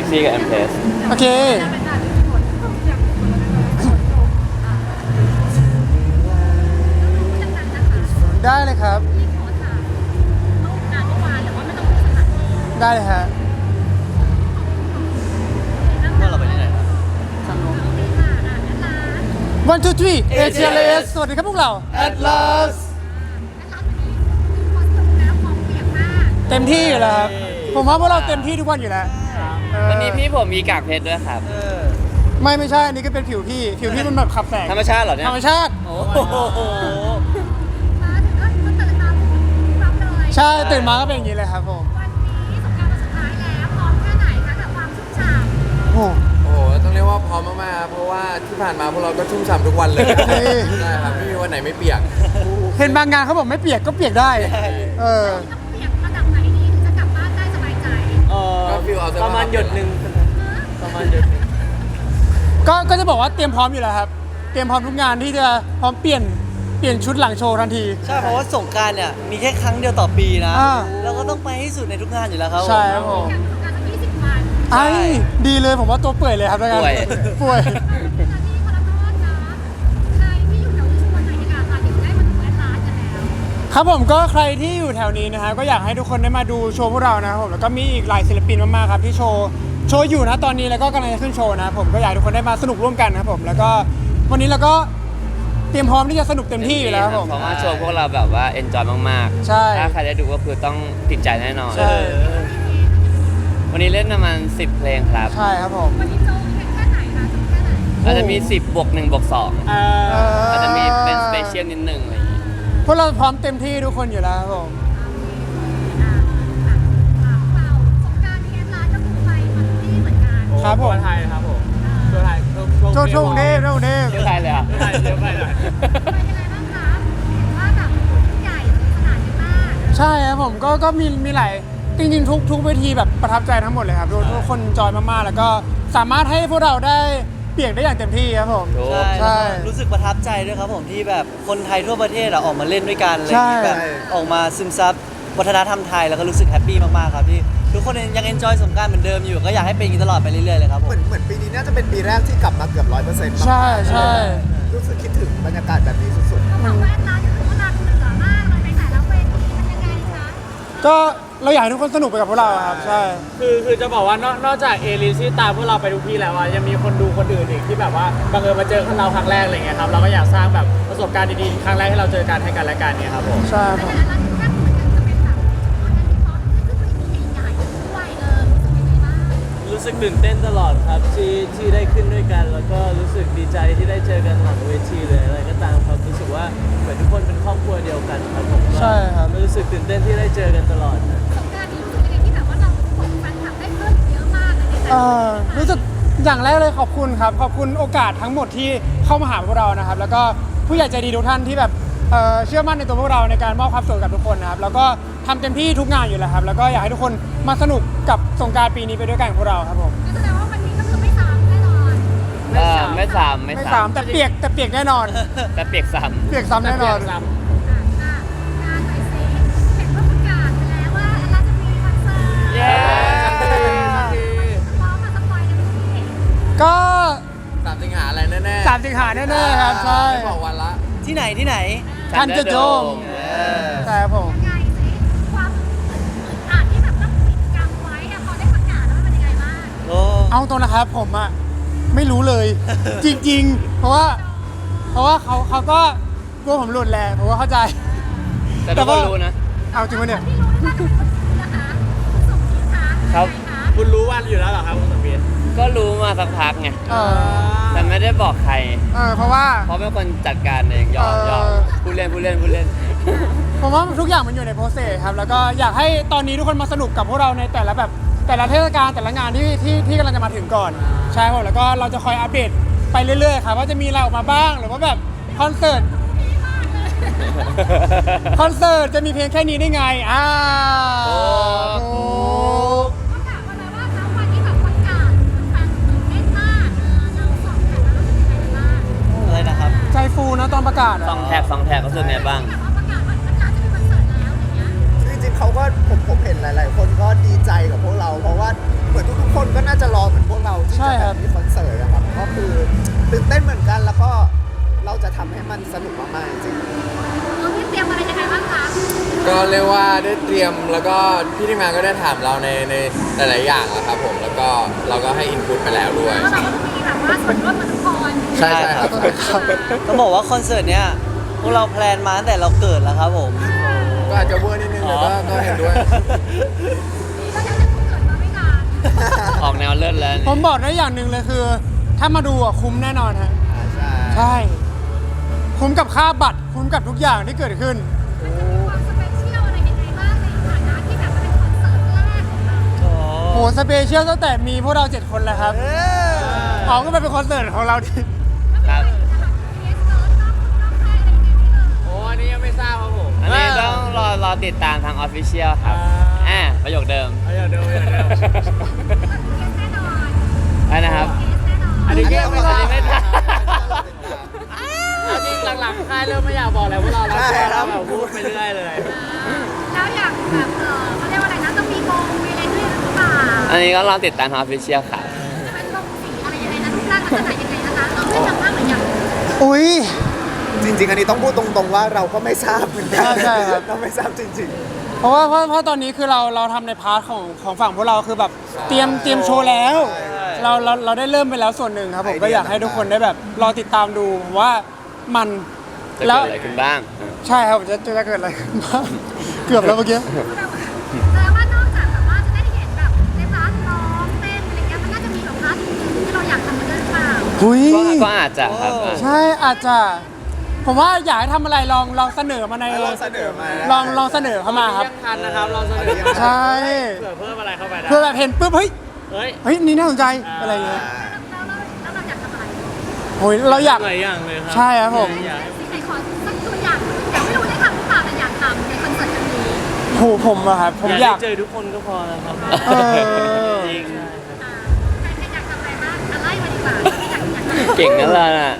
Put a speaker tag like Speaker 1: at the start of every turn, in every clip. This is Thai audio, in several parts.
Speaker 1: Easy กับ M Place
Speaker 2: โอเคได้เลยครับได้เลยฮะ
Speaker 3: ว่าเราไปที่ไหนครับ
Speaker 2: One two three ATLAS สวัสดีครับพวกเรา
Speaker 3: Atlas
Speaker 2: เต็มที่อยู่แล้วครับผมว่าพวกเราเต็มที่ทุกวันอยู่แล้ว
Speaker 1: วันนี้พี่ผมมีกากเพชรด้วยครับ
Speaker 2: ไม่ใช่อันนี้ก็เป็นผิวพี่มันแบบขับแสง
Speaker 1: ธรรมชาติเหรอเนี่ย
Speaker 2: ธรรมชาติ
Speaker 3: โอ้โห
Speaker 2: ใช่ตื่นมาก็เป็นอย่างนี้เลยครับผม โอ้
Speaker 4: โอ้โหต้องเรียกว่าพร้อมมากๆเพราะว่าที่ผ่านมาพวกเราก็ชุ่มฉ่ำทุกวันเลยใช่ครับไม่มีวันไหนไม่เปียก
Speaker 2: เห็นบางงานเขาบอกไม่เปียกก็เปียกได้เออ
Speaker 4: ก็ฟีลเอา
Speaker 3: ประมาณหยดหนึ่งประมาณหยดหนึ่ง
Speaker 2: ก็จะบอกว่าเตรียมพร้อมอยู่แล้วครับเตรียมพร้อมทุกงานที่จะพร้อมเปลี่ยนชุดหลังโชว์ทันที
Speaker 3: ใช่เพราะว่าสงกรานต์เนี่ยมีแค่ครั้งเดียวต่อปีนะ
Speaker 2: อ่า
Speaker 3: เราก็ต้องไปให้สุดในทุกงานอยู่แล้วครับ
Speaker 2: ใช่ครับผมไอ้ดีเลยผมว่าตัวเปื่อยเลยครับแล้วกันป่วยครับผมก็ใครที่อยู่แถวนี้นะฮะก็อยากให้ทุกคนได้มาดูโชว์พวกเรานะครับผมแล้วก็มีอีกหลายศิลปินมากๆครับที่โชว์อยู่นะตอนนี้แล้วก็กำลังจะขึ้นโชว์นะครับผมก็อยากให้ทุกคนได้มาสนุกร่วมกันนะครับผมแล้วก็วันนี้เราก็เตรียมพร้อมที่จะสนุกเต็มที่อยู่แล้วครับผม
Speaker 1: เพราะว่าโชว์พวกเราแบบว่า enjoy มากๆ
Speaker 2: ใช่
Speaker 1: ถ้าใครได้ดูก็คือต้องติดใจแน่นอน
Speaker 2: ใช่
Speaker 1: วันนี้เล่นประมาณ10 เพลงครับ
Speaker 2: ใช่ครับผม
Speaker 1: อาจจะมี 10 บวก 1 บวก 2 อาจจะมีเป็นสเปเชียลนิดนึงอะไรอย่างงี้
Speaker 2: พวกเราพร้อมเต็มที่ทุกคนอยู่แล้วครับผมครับผม
Speaker 5: ไทยครับผมตัวไทย
Speaker 2: โชว์ทุ่งเทพ
Speaker 1: เชื่อใครเลยอ่ะ
Speaker 5: ไทยเยอะไปหน่อย
Speaker 2: ใช่ครับผมก็มีหลายจริงๆทุกเวทีแบบประทับใจทั้งหมดเลยครับทุกคนจอยมากๆแล้วก็สามารถให้พวกเราได้เปียกได้อย่างเต็มที่ครับผม
Speaker 1: ถูก
Speaker 2: ใช่
Speaker 3: รู้สึกประทับใจด้วยครับผมที่แบบคนไทยทั่วประเทศอะออกมาเล่นด้วยกันอะไร
Speaker 2: ใช่
Speaker 3: ที่แบบออกมาซึมซับวัฒนธรรมไทยแล้วก็รู้สึกแฮปปี้มากๆครับที่ทุกคนยังเอนจอยสงกรานต์เหมือนเดิมอยู่ก็อยากให้เป็นอย่างนี้ตลอดไปเรื่อยๆเลยครับผม
Speaker 4: เหมือนปีนี้น่าจะเป็นปีแรกที่กลับมาเกือบ 100%
Speaker 2: ใช่ใช่
Speaker 4: รู้สึกคิดถึงบรรยากาศแบบนี้สุด
Speaker 2: ก็เราอยากให้ทุกคนสนุกไปกับพวกเราครับใช่
Speaker 5: คือจะบอกว่านอกจากเอลิซที่ตามพวกเราไปทุกที่แล้วอ่ะยังมีคนดูคนอื่นอีกที่แบบว่าบังเอิญมาเจอเราครั้งแรกอะไรเงี้ยครับเราก็อยากสร้างแบบประสบการณ์ดีๆครั้งแรกที่เราเจอกันให้กันและกันเนี่ยครับผม
Speaker 2: ใช่ครับผม
Speaker 6: รู้สึกตื่นเต้นตลอดครับที่ได้ขึ้นด้วยกัน แล้วก็รู้สึกดีใจที่ได้เจอกันหลังเวทีเลยอะไรก็ตามครับรู้สึกว่าเหมือนทุกคนเป็นครอบครัวเดียวกันครับผมก็
Speaker 2: ใช่ครับ
Speaker 6: รู้สึกตื่นเต้นที่ได้เจอกันตลอดนะ
Speaker 2: รู้สึกอย่างแรกเลยขอบคุณครับขอบคุณโอกาสทั้งหมดที่เข้ามาหาพวกเรานะครับแล้วก็ผู้ใหญ่ใจดีทุกท่านที่แบบเชื่อมั่นในตัวพวกเราในการมอบความสุขกับทุกคนนะครับแล้วก็ทำเต็มที่ทุกงานอยู่แล้วครับแล้วก็อยากให้ทุกคนมาสนุกกับสงกรานต์ปีนี้ไปด้วยกันกับพวกเราครับผม
Speaker 1: ไม่ซ้ำ
Speaker 2: ไม่สามแต่เปียกแน่นอน
Speaker 1: แต่เปียกซ้
Speaker 2: เปียกซ้ำแน่นอน
Speaker 1: ำเย้
Speaker 2: ก็
Speaker 4: ๆ3 สิงหาอะไรแน่ๆ
Speaker 2: 3 สิงหาแน่ๆครับใช่
Speaker 4: ไม่บอกวันละ
Speaker 3: ที่ไหน
Speaker 2: ทันจะโจมใช่ครับผม
Speaker 3: โอ้
Speaker 2: เอาตรงนะครับผมอะไม่รู้เลย จริงๆ เพราะว่าเขาก็กลัวผมหลุดแหละผมก็เข้าใจ
Speaker 1: แต่ทุกคนรู้นะ
Speaker 2: เอาจริงปะเนี่ย
Speaker 1: ครับ
Speaker 5: คุณรู้วันอยู่แล้วเหรอครับคุณสมบีน
Speaker 1: ก็รู้มาสักพักไง
Speaker 2: เออ
Speaker 1: แต่ไม่ได้บอกใคร
Speaker 2: เพราะว่า
Speaker 1: เพราะเป็นคนจัดการเองยอม พูดเล่น
Speaker 2: ผมว่าทุกอย่างมันอยู่ในโปรเซสครับแล้วก็อยากให้ตอนนี้ทุกคนมาสนุกกับพวกเราในแต่ละเทศกาลแต่ละงานที่กำลังจะมาถึงก่อนใช่ครับแล้วก็เราจะคอยอัปเดตไปเรื่อยๆครับว่าจะมีอะไรออกมาบ้างหรือว่าแบบคอนเสิร์ตจะมีเพลงแค่นี้ได้ไงถูก
Speaker 3: อะไรนะครับ
Speaker 2: ใจฟูนะตอนประกาศอะ
Speaker 1: สองแท็กก็คือไงบ้าง
Speaker 4: จริงๆเขาก็ผมเห็นหลายๆ คนก็ดีใจกับพวกเรา เพราะว่าเหมือนทุกๆคนก็น่าจะรอ
Speaker 2: ใช่ครับ
Speaker 7: มีคอนเสิร์ตอะครับก็คือตื่นเต้นเหมือนกันแล้วก็เราจะทำให้มันสนุกมากๆจริง
Speaker 8: น้องพี่เตรียมอะไรยังไงบ้างคะ
Speaker 4: ก็เรียกว่าได้เตรียมแล้วก็พี่ที่มาก็ได้ถามเราในหลายๆอย่างอะครับผมแล้วก็เราก็ให้อินพุตไปแล้วด้วย
Speaker 8: แล้วเราก็มีแบบว่าส่วนร่วมกับทุกคน
Speaker 4: ใช่ครับ
Speaker 3: ต้องบอกว่าคอนเสิร์ตเนี้ยพวกเราแพลนมาตั้งแต่เราเกิดแล้วครับผม
Speaker 4: ก็อาจจะเวอร์นิดนึงแต่ก็เห็นด้วย
Speaker 8: ก็ยังจะเกิดมาไม่นาน
Speaker 1: ออกแนวเลิศแล้ว
Speaker 2: ผมบอกได้อย่างหนึ่งเลยคือ ถ้ามาดูอ่ะคุ้มแน่นอนฮะ
Speaker 7: ใช่
Speaker 2: ใช่ คุ้มกับค่าบัตรคุ้มกับทุกอย่างที่เกิดขึ้น
Speaker 8: มันจะมีความสเปเชียลอะไรยังไงบ้างในฐานะที่แบบมันเป็นคอนเสิร์ตแรกของเรา
Speaker 2: โหสเปเชียลตั้งแต่มีพวกเรา 7 คนแล้วครับเอาก็ไปเป็นคอนเสิร์ตของเราดิ
Speaker 1: ครับ
Speaker 8: เอสเซิร์ชนอกค่ายอะไรยังไงไม่เลย
Speaker 5: โอ้อันนี้ยังไม่ทราบครับผม
Speaker 1: อันนี้ต้องรอติดตามทางออฟฟิเชียลครับประโยคเดิม
Speaker 5: เอาอย่าเดิมอย่าเดิม
Speaker 8: เอสแน่นอน
Speaker 1: อะไรนะครับ
Speaker 8: เอสแน่นอน
Speaker 5: อันนี้ก็ยังไม่ทราบ
Speaker 1: อันนี้ไม่ทราบ
Speaker 5: เอาจริงหลังๆค่ายเริ่มไม่อยากบอกอะไรพวกเราแล้วเราแบบพูดไปเรื่อยเลย
Speaker 8: แล้วอย่างแบบเขาเรียกว่าอะไรนะต้องมีโมงมีอะไรด้วยหรือเปล่า
Speaker 1: อันนี้ก็รอติดตามทางออฟฟิเชียลครับ
Speaker 8: จะเป็นโมงสีอะไรยังไงนะรูปร่างลักษณะยังไงนะคะเราไม่จำบ้างหรือยัง
Speaker 2: อุ้ย
Speaker 7: จริง ๆ อันนี้ต้องพูดตรงๆว่าเราก็ไม่ทราบเหมือนกั
Speaker 2: ใช่ครับ
Speaker 7: เราไม่ทราบจริง
Speaker 2: เพราะตอนนี้คือเราทำในพาร์ทของฝั่งพวกเราคือแบบเตรียมโชว์แล้ว เราได้เริ่มไปแล้วส่วนหนึ่งครับผมก็อยากให้ทุกคนได้แบบรอติดตามดูว่ามัน
Speaker 1: จะ
Speaker 2: แล้
Speaker 1: เกิ
Speaker 2: ว
Speaker 1: ดอะไรขึ้นบ้าง
Speaker 2: ใช่ครับจะเกิดอะไรขึ้นบ้าง เกือบแล้วเมื่อกี้
Speaker 8: แปลว่านอกจากแบบว่าจะได้เห็นแบบในพาร์ทร้องเต้นอะไรเงี้ยมันน่าจะมีแบบพาร์ทอื่นๆที่เราอยากทำกันด้วยหรือเปล่า
Speaker 2: หุย
Speaker 1: ก็อาจจะครับ
Speaker 2: ใช่อาจจะ ผมว่าอยากให้ทำอะไรลองเสนอมาใน
Speaker 7: ๆลองเสนอมา
Speaker 2: ลองเสนอเข้ามาครับ
Speaker 5: ยังทันนะครับเราเสนอ
Speaker 2: ใช่
Speaker 5: เผื่อเพิ่มอะไรเข้าไปได้
Speaker 2: เพื่อแบบเห็นปุ๊บเฮ้ย
Speaker 5: เฮ้ย
Speaker 2: เฮ้ยนี่น่าสนใจอะไรอย่างเงี้ย
Speaker 8: แล้วเราอยากทำอะไร
Speaker 2: โอ้ยเราอยาก
Speaker 6: หลายอย่างเลยครั
Speaker 2: ใช่ครับผม
Speaker 6: อยากให้
Speaker 8: ไหนขอสักตัวอย่างอยากไม่รู้ได้ทำหรือเปล่าแต่อยากทำในคอนเสิร์ตครั้งนี้
Speaker 2: โหผมอะครับผมอยาก
Speaker 6: ได้เจอทุกคนก็พอแล้วครับ
Speaker 2: เออ
Speaker 6: จริง
Speaker 8: ใครอยากทำอะไรบ้างอะไรมาดีกว่าอยากทำ
Speaker 1: เก่งนั่นแหละน่ะ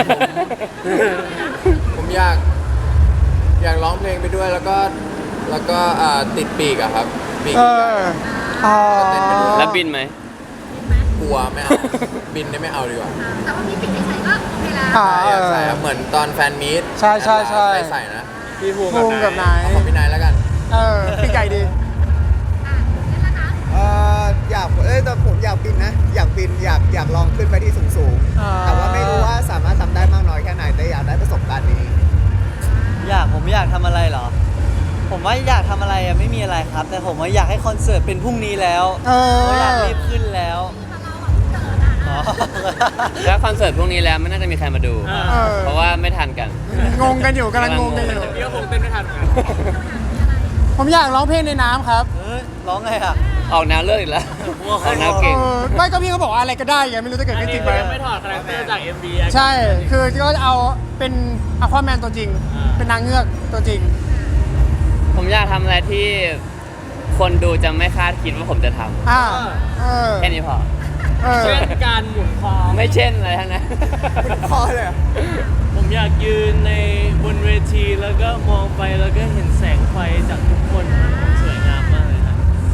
Speaker 4: ผมอยากร้องเพลงไปด้วยแล้วก็ติดปีกอะครับปีก
Speaker 2: เอออ๋อ
Speaker 1: แล้วบินไหม
Speaker 4: กลัวไม่เอา บินได้ไม่เอาดีกว่า
Speaker 8: แต่ว่ามีปิดเฉยๆก็โอเคแล้ว
Speaker 2: อ่า
Speaker 4: อยากใส่ครับเหมือนตอนแฟนมีต
Speaker 2: ใช่ใช่ใช่
Speaker 4: ใส่นะ
Speaker 5: พี่ภูมิ
Speaker 2: ภูมิกับนาย
Speaker 4: เอาของพี่นายแล้วกัน
Speaker 2: เออพี่ไก่ดี
Speaker 8: นี่แล้วนะ
Speaker 7: อยากแต่ผมอยากบินนะ อยากบินอยากลองขึ้นไปที่สูง
Speaker 2: อ่า
Speaker 7: ๆแต่ว่าไม่รู้ว่าสามารถทำได้มากน้อยแค่ไหนแต่อยากได้ประสบการณ์นี้
Speaker 3: ผมอยากทำอะไรเหรอ ผมว่าอยากทำอะไรอะไม่มีอะไรครับ แต่ผมว่าอยากให้คอนเสิร์ตเป็นพรุ่งนี้แล้ว
Speaker 2: เออ
Speaker 3: ผมอยากรีบขึ้นแล้ว
Speaker 8: เราแบบเกิดอ่ะ
Speaker 1: แล้วคอนเสิร์ตพวกนี้แล้วไม่น่าจะมีใครมาดู
Speaker 2: เออ
Speaker 1: เพราะว่าไม่ทันกัน
Speaker 2: งงกันอยู่กำลังงงกันอยู่
Speaker 5: พี่ก็คงเต้นไม่ทันเหมือนกัน
Speaker 2: ผมอยากร้องเพลงในน้ำครับ
Speaker 3: เฮ้ยร้องไงอะ
Speaker 1: ออกแนวเลิศอีกแล้ว ออกแนวเก่ง
Speaker 2: ไม่ก็พี่เขาบอกว่าอะไรก็ได้ไงไม่รู้จะเกิด
Speaker 5: อัน
Speaker 2: ขึ้นจ
Speaker 5: นี้
Speaker 2: ริงไหม
Speaker 5: ก็ยังไม่ถอดคาแรคเตอร์จาก MV
Speaker 2: ใช่ คือก็จะเอาเป็นอควาแมนตัวจริง เป็นนางเงือกตัวจริง
Speaker 1: ผมอยากทำอะไรที่คนดูจะไม่คาดคิดว่าผมจะทำ
Speaker 2: อ่า เออ
Speaker 1: แค่นี้พอ
Speaker 2: เออ
Speaker 5: เช่นการหมุนคอ
Speaker 1: ไม่เช่นอะไรทั้งนั้น
Speaker 7: พอเลยเหรอ
Speaker 6: ผมอยากยืนในบนเวทีแล้วก็มองไปแล้วก็เห็นแสงไฟจากทุกคนมันคงสวยงามมากเลยครับ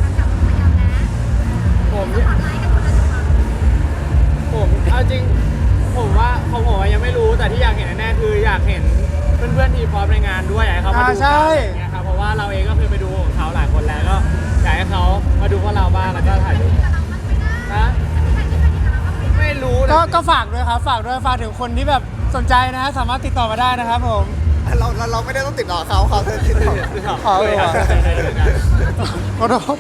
Speaker 5: ผมเอาจริงผมว่าของผมอะยังไม่รู้แต่ที่อยากเห็นแน่ๆคืออยากเห็นเพื่อนๆทีพร้อมในงานด้วยอยากให้เขามาดู
Speaker 2: อ่าใช่
Speaker 5: กันอะไรอย่างเงี้ยครับเพราะว่าเราเองก็เคยไปดูของเขาหลายคนแล้วก็อยากให้เขามาดูพวกเราบ้างแล้วก็ถ่ายรูปนะไม่รู้เลย
Speaker 2: ก็ฝากด้วยครับ ฝากด้วย ฝากถึงคนที่แบบสนใจนะฮะสามารถติดต่อมาได้นะครับผม
Speaker 7: เราไม่ได้ต้องติดต่อเขาติดต่อ
Speaker 2: ขอเลยครับขอโทษ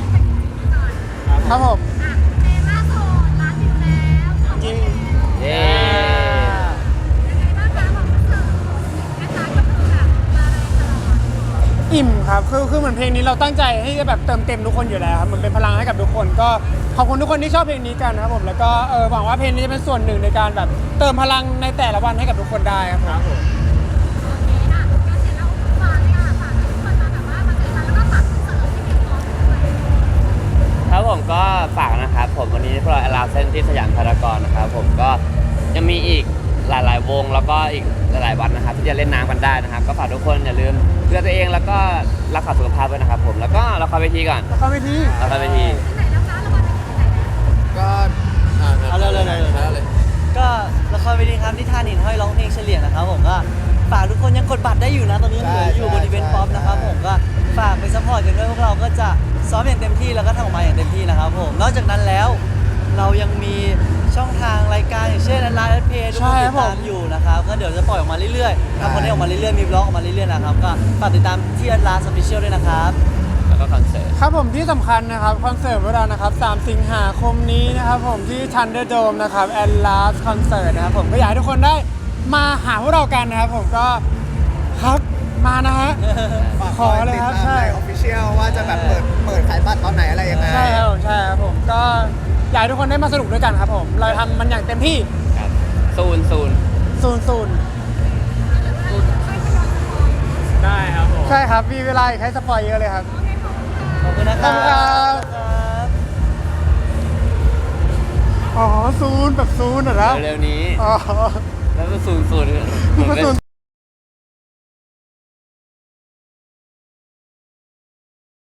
Speaker 2: ครับผม
Speaker 8: เมล่าโซนร้านอยู่แล้วขอบคุณ
Speaker 1: เย้
Speaker 8: ยังไงบ้างคะของคอนเสิร์ตนะคะก็คือแบบมาแรงตลอด
Speaker 2: อิ่มครับ คือเหมือนเพลงนี้เราตั้งใจให้จะแบบเติมเต็มทุกคนอยู่แล้วครับเหมือนเป็นพลังให้กับทุกคน ก็ขอบคุณทุกคนที่ชอบเพลงนี้กันนะครับผม แล้วก็หวังว่าเพลงนี้จะเป็นส่วนหนึ่งในการแบบเติมพลังในแต่ละวันให้กับทุกคนได้ครับผม
Speaker 8: โอเคค่ะงั้นเดี๋ยวเราฝากเลยค่ะฝากให้ทุกคนมาแบบว่ามาเจอกันแล้วก็ฝากคอนเสิร์ตที่เพียงพอด้วย
Speaker 1: ครับผมก็ฝากนะครับผมวันนี้พวกเราอลาเซนที่สยามพารากอนนะครับผมก็ยังมีอีกหลายๆวงแล้วก็อีกหลายๆวันนะครับที่จะเล่นน้ำกันได้นะครับ ก็ฝากทุกคนอย่าลืมดูแลตัวเองแล้วก็รักษาสุขภาพด้วยนะครับผมแล้วก็ละครเวทีก่อน
Speaker 2: แล้วก็ไปที่
Speaker 1: ละครเวที
Speaker 8: ที่ไหนแล้วคะรางวัลเป็นที่ไหนนะ
Speaker 4: ก็
Speaker 3: เอาเลย
Speaker 4: เลย
Speaker 3: ก็ละครเวทีครับที่ท่านินห้อยร้องเพลงเฉลี่ยนะครับผมก็ฝากทุกคนยังกดบัตรได้อยู่นะตอนนี้ยังเหลืออยู่บนอีเวนต์ป๊อปนะครับผมก็ฝากไปซัพพอร์ตกันด้วยพวกเราก็จะซ้อมอย่างเต็มที่แล้วก็ทำออกมาอย่างเต็มที่นะครับผมนอกจากนั้นแล้วเรายังมีช่องทางรายการอย่างเช่นไลน์เพจทุกคนติดตามอยู่นะครับก็เดี๋ยวจะปล่อยออกมาเรื่อยๆทำคอนเทนต์ออกมาเรื่อยๆมีบล็อกออกมาเรื่อยๆนะครับก็ฝากติดตามที่Atlas Official ด้วยนะครับ
Speaker 1: แล้วก็คอนเสิร์ต
Speaker 2: ครับผมที่สำคัญนะครับคอนเสิร์ตของเรานะครับ3สิงหาคมนี้นะครับผมที่ Thunderdome นะครับ Atlas Concert นะครับผมก็อยากให้ทุกคนได้มาหาพวกเรากันนะครับผมก็ครับมานะฮะ
Speaker 7: ฝาก
Speaker 2: ขอเลยครับ
Speaker 7: ติดตาม
Speaker 2: ใช่
Speaker 7: ใน Official ว่าจะแบบเปิดขายบัตรตอนไหนอะไรยังไง
Speaker 2: ใช่ครับผมใช่ครับผมก็อยากให้ทุกคนได้มาสนุกด้วยกันครับผมเราทำมันอย่างเต็มที่
Speaker 1: ครับศูนย์
Speaker 2: ศูนย์
Speaker 5: ได้ครับผม
Speaker 2: ใช่ครับมีเวลาอีกให้สปอยเยอะเลยครับ
Speaker 3: ขอบคุณนะค
Speaker 2: ข
Speaker 3: รั
Speaker 2: อบคุณครับ
Speaker 3: บ
Speaker 2: อ๋อศูนย์แบบศูนย์เหรอนะ
Speaker 1: เร็วๆนี้
Speaker 2: อ๋อ
Speaker 1: แล้วก็ศูนย์
Speaker 2: มันก็ศูนย์